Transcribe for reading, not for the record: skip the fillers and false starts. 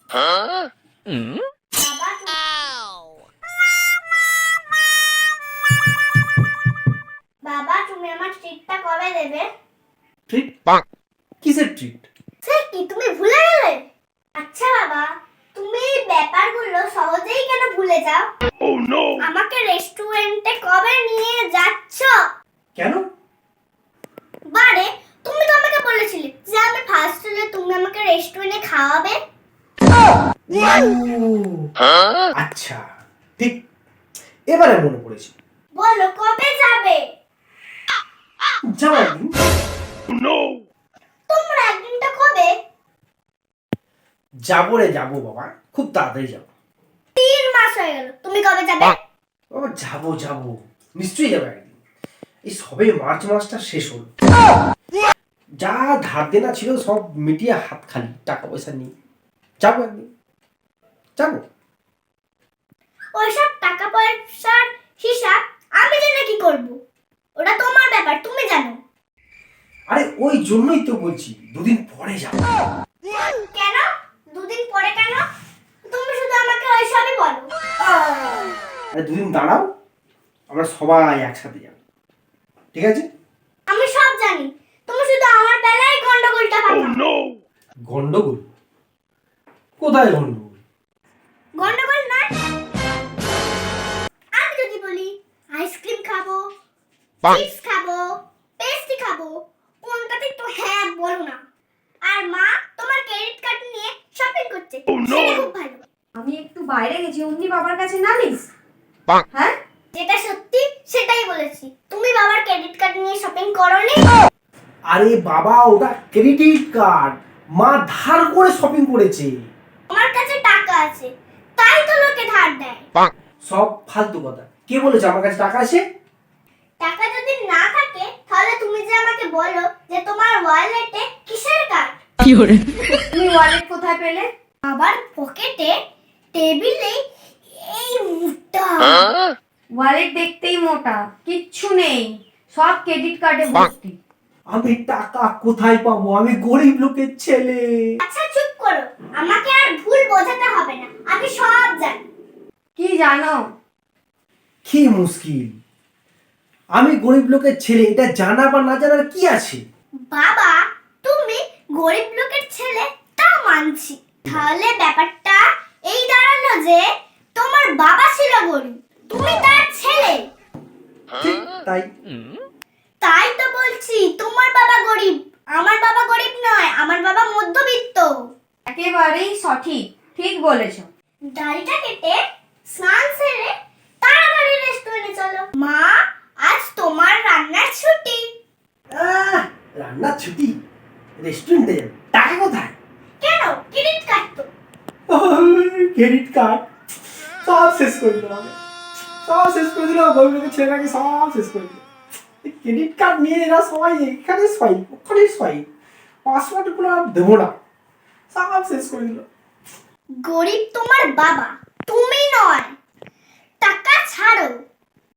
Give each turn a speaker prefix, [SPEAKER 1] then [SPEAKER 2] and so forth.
[SPEAKER 1] বাবা তুমি আমার ট্রিটটা কবে দেবে?
[SPEAKER 2] ট্রিট? কিসের ট্রিট?
[SPEAKER 1] সে কি তুমি ভুলে গেলে? আচ্ছা বাবা, তুমি এই ব্যাপারগুলো সহজেই কেন ভুলে যাও? Oh no! আমাকে রেস্টুরেন্টে কবে নিয়ে যাচ্ছ?
[SPEAKER 2] কেন?
[SPEAKER 1] বারে, তুমি তো আমাকে বলেছিলে যে আমি ফার্স্ট হলে তুমি আমাকে রেস্টুরেন্টে খাওয়াবে।
[SPEAKER 2] আচ্ছা, ঠিক এবারে মনে পড়েছে।
[SPEAKER 1] বলো কবে যাবে?
[SPEAKER 2] যাও একদিন।
[SPEAKER 1] তোমরা একদিনটা কবে?
[SPEAKER 2] যাবো রে যাবো বাবা, খুব তাড়াতাড়ি যাবো।
[SPEAKER 1] 3 মাস হয়ে গেল, তুমি কবে যাবে?
[SPEAKER 2] বাবা যাবো যাবো, নিশ্চয়ই যাবো একদিন। এই সবে মার্চ মাসটা শেষ হলো, যা ধার দেনা ছিল সব মিটিয়ে হাত খালি, টাকা পয়সা নেই। যাবো একদিন, যাবো।
[SPEAKER 1] ওইসব টাকা পয়সার হিসাব আমি জেনে কি করব? ওটা তোমার ব্যাপার, তুমি জানো।
[SPEAKER 2] আরে ওই জন্যই তো বলছি দুদিন পরে যাবো।
[SPEAKER 1] কেন? দুদিন পরে কেন? তুমি শুধু আমাকে ওইসবই বলো।
[SPEAKER 2] আরে দুদিন দাঁড়াও, আমরা সবাই একসাথে যাবো, ঠিক আছে?
[SPEAKER 1] আমি সব জানি, তুমি শুধু আমার বেলায় গন্ডগোলটা পাকাও।
[SPEAKER 2] গন্ডগোল? কোথায় গন্ডগোল?
[SPEAKER 1] গন্ডগোল না? আমি যদি বলি আইসক্রিম খাবো, চিপস খাবো, পেস্ট্রি খাবো, কোনটাতে তো হ্যাঁ বলো না। আর মা তোমার ক্রেডিট কার্ড নিয়ে শপিং করছে, সেটা খুব ভালো।
[SPEAKER 3] আমি একটু বাইরে গেছি, অমনি বাবার কাছে নালিশ? হ্যাঁ,
[SPEAKER 1] যেটা সত্যি সেটাই বলেছি। তুমি বাবার ক্রেডিট কার্ড নিয়ে শপিং করোনি?
[SPEAKER 2] আরে বাবা ওটা ক্রেডিট কার্ড, মা ধার করে শপিং করেছে।
[SPEAKER 1] আমার কাছে টাকা আছে, তাই তো লোকে ধার দেয়।
[SPEAKER 2] সব ফালতু কথা, কে বলেছে আমার কাছে টাকা আছে?
[SPEAKER 1] টাকা যদি না থাকে তাহলে তুমি যে আমাকে বলো যে তোমার ওয়ালেটে কিসের কার্ড?
[SPEAKER 3] তুমি ওয়ালেট কোথায় পেলে?
[SPEAKER 1] আবার পকেটে, টেবিলে, এই মুঠটা।
[SPEAKER 3] ওয়ালেট দেখতেই মোটা, কিচ্ছু নেই, সব ক্রেডিট কার্ডে ভর্তি।
[SPEAKER 2] আমি টাকা কোথায় পাবো? আমি গরিব লোকের ছেলে।
[SPEAKER 1] আচ্ছা চুপ করো, আমাকে আর ভুল বোঝাতে হবে না, আমি সব জানি।
[SPEAKER 3] কি জানো?
[SPEAKER 2] কি মুশকিল, আমি গরিব লোকের ছেলে, এটা জানা বা না জানার কি আছে?
[SPEAKER 1] বাবা তুমি গরিব লোকের ছেলে তা মানছি, তাহলে ব্যাপারটা এই দাঁড়ালো যে তোমার বাবা ছিল গরিব, তুমি তার ছেলে।
[SPEAKER 2] ঠিক তাই।
[SPEAKER 1] তাই তো বলছি তোমার বাবা গরিব, আমার বাবা গরিব নয়, আমার বাবা মধ্যবিত্ত।
[SPEAKER 3] একেবারেই সঠিক, ঠিক বলেছো।
[SPEAKER 1] দাড়িটা কেটে স্নান সেরে তাড়াতাড়ি রেস্টুরেন্টে চলো। মা আজ তোমার রান্নার ছুটি।
[SPEAKER 2] রান্নার ছুটি? রেস্টুরেন্টে যাবে, টাকা কোথায়?
[SPEAKER 1] কেন? ক্রেডিট কার্ড তো।
[SPEAKER 2] ক্রেডিট কার্ড সব শেষ করে দিল, সব শেষ করে দিল, গরিব লোকের ছেলেটাকে সব শেষ করে দিল। ক্রেডিট কার্ড নিয়ে এরা সবাই এখানে সোয়াইপ, ওখানে সোয়াইপ, পাসওয়ার্ডগুলো আর দেবো না, সব শেষ করে দিল।
[SPEAKER 1] গরিব তোমার বাবা, তুমি নয়। টাকা ছাড়ো,